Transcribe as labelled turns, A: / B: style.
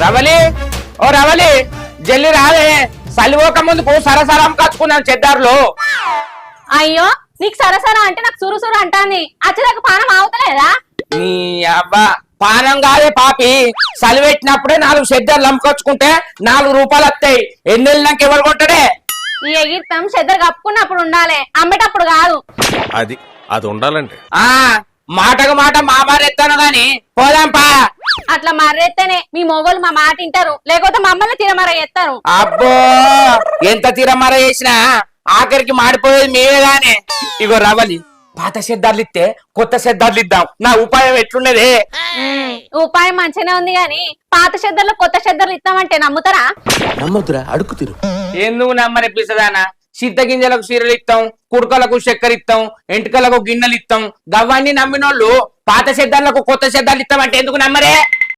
A: రవలి ఓ రవలి జల్లి రావే సలివోక ముందుకు సరసరం కచ్చుకున్నాం చెద్దారులో.
B: అయ్యో నీకు సరసరా అంటే నాకు సురు అంటాంది. అచ్చదాకా పానం ఆవుతలేదా?
A: నీ అబ్బా పానం కాదే పాపి, సలివెట్టినప్పుడే 4 చెద్దర్లు అమ్ముకొచ్చుకుంటే 4 రూపాయలు వస్తాయి. ఎన్నెళ్ళినాక ఎవరు కొంటాడే?
B: ఈ ఎగిరితం చెద్దరు కప్పుకున్నప్పుడు ఉండాలి, అమ్మేటప్పుడు కాదు.
C: అది ఉండాలంటే
A: మాటకు మాట మామారెత్తాను గాని పోదాంపా.
B: అట్లా మర్రెత్తేనే మీ మొగోళ్ళు మా మాట వింటారు, లేకపోతే మమ్మల్ని తిరమర ఎత్తారు.
A: అబ్బో ఎంత తిరమర చేసినా ఆఖరికి మాడిపోయేది మేమే గానే. ఇగో రవలి, పాత సెద్దార్లు ఇస్తే కొత్త సెద్దార్లు ఇద్దాం. నా ఉపాయం ఎట్లున్నదే?
B: ఉపాయం మంచిగానే ఉంది గాని పాత చెద్దర్లు కొత్త చెద్దర్లు ఇస్తామంటే నమ్ముతారా?
C: నమ్మొద్దురా, అడుగు తిరు.
A: ఎందుకు నమ్మనిపిస్తుందానా? సిద్ధగింజలకు సీరలు ఇస్తాం, కుడుకలకు చక్కెర ఇస్తాం, ఎంటుకలకు గిన్నెలు ఇస్తాం. గవ్వన్నీ నమ్మినోళ్ళు పాత సెద్దార్లకు కొత్త సెద్దార్లు ఇస్తామంటే ఎందుకు నమ్మరే?